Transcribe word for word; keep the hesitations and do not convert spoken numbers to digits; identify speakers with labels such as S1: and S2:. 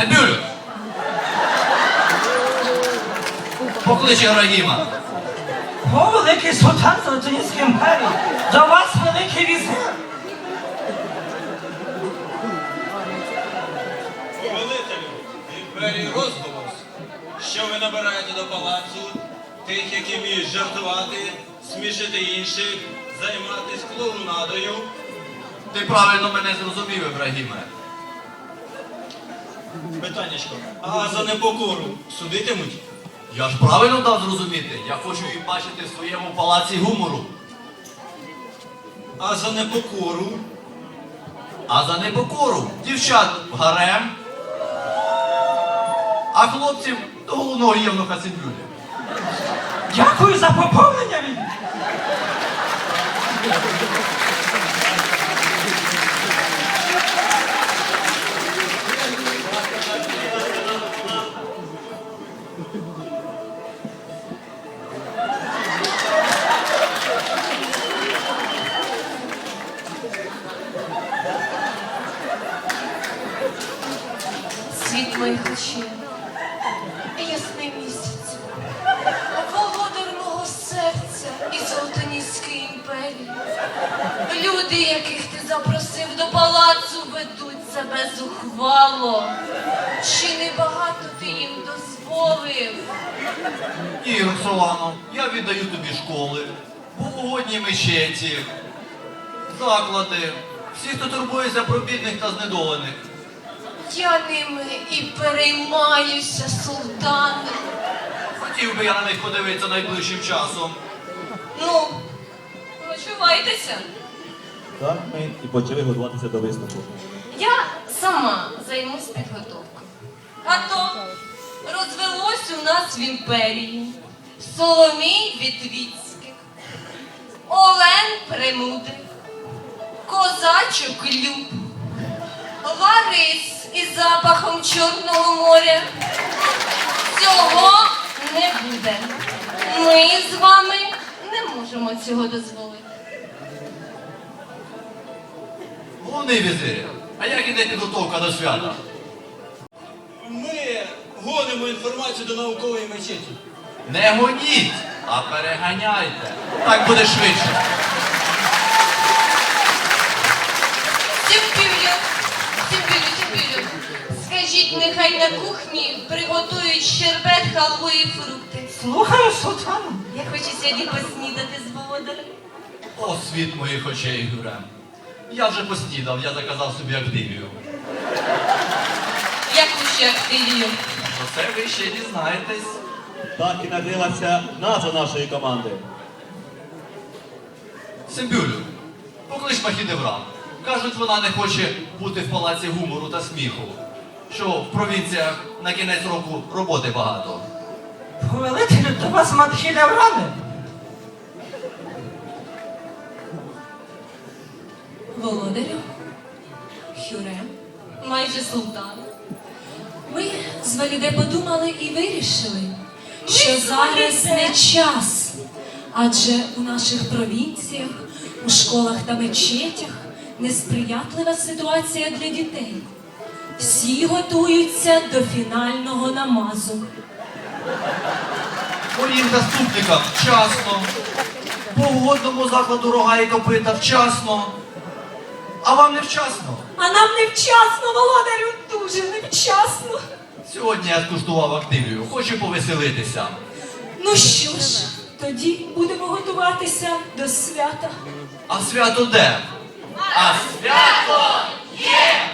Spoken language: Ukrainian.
S1: Себюлю! Поклич Ібрагіма.
S2: О, великий султан Салтанівської імперії, до вас великий візир.
S3: Повелителю імперії розголос, що ви набираєте до палацу тих, які вміють жартувати, смішити інших, займатися клоунадою.
S1: Ти правильно мене зрозумів, Ібрагіме.
S3: Питаннячко, а за непокору судитимуть?
S1: Я ж правильно дав зрозуміти. Я хочу її бачити в своєму палаці гумору.
S3: А за непокору?
S1: А за непокору дівчат в гарем, а хлопців до головного євнуха Себюлі.
S2: Дякую за поповнення від.
S4: Світ моїх очей, ясний місяць, володар мого серця і Золотоніської імперії. Люди, яких ти запросив до палацу, ведуть себе зухвало. Чи не багато ти їм дозволив?
S1: Ні, Роксолано, я віддаю тобі школи, полугодні мечеті, заклади, всі, хто турбується про бідних та знедолених.
S4: Я ними і переймаюся, султане.
S1: Хотів би я на них подивитися найближчим часом.
S4: Ну, почувайтеся.
S5: Так ми і почали готуватися до виступу.
S4: Я сама займусь підготовкою. А то розвелось у нас в імперії Соломій Вітвіцьких, Олен Премудрих, Козачок Люб, Ларис із запахом Чорного моря. Цього не буде. Ми з вами не можемо цього дозволити.
S1: Головний візирі, а як іде підготовка до свята?
S3: Ми гонимо інформацію до наукової мечеті.
S1: Не гоніть, а переганяйте. Так буде швидше.
S4: Сімпілю, Сімпілю, Сімпілю, скажіть, нехай на кухні приготують щербет, халву і фрукти.
S2: Слухаю, султану.
S4: Я хочу сьогодні поснідати з володарем.
S1: О, світ моїх очей, Гюрем. Я вже поснідав, я заказав собі активію.
S4: Яку ще активію?
S1: Про це ви ще дізнаєтесь.
S5: Так і народилася назва нашої команди.
S1: Сембюлю, поклич Махідевран. Кажуть, вона не хоче бути в палаці гумору та сміху. Що в провінціях на кінець року роботи багато.
S2: Повелителю, до вас Мадхідеврани.
S4: Володарю, Хюрем, майже султан.
S6: Ми з Валіде подумали і вирішили, що зараз не час, адже у наших провінціях, у школах та мечетях несприятлива ситуація для дітей. Всі готуються до фінального намазу.
S1: Моїм заступникам вчасно, погодному закладу рога і копита вчасно, а вам не вчасно.
S6: А нам невчасно, володарю, дуже невчасно.
S1: Сьогодні я скуштував активію, хочу повеселитися.
S6: Ну що ж, тоді будемо готуватися до свята.
S1: А свято де? А свято є!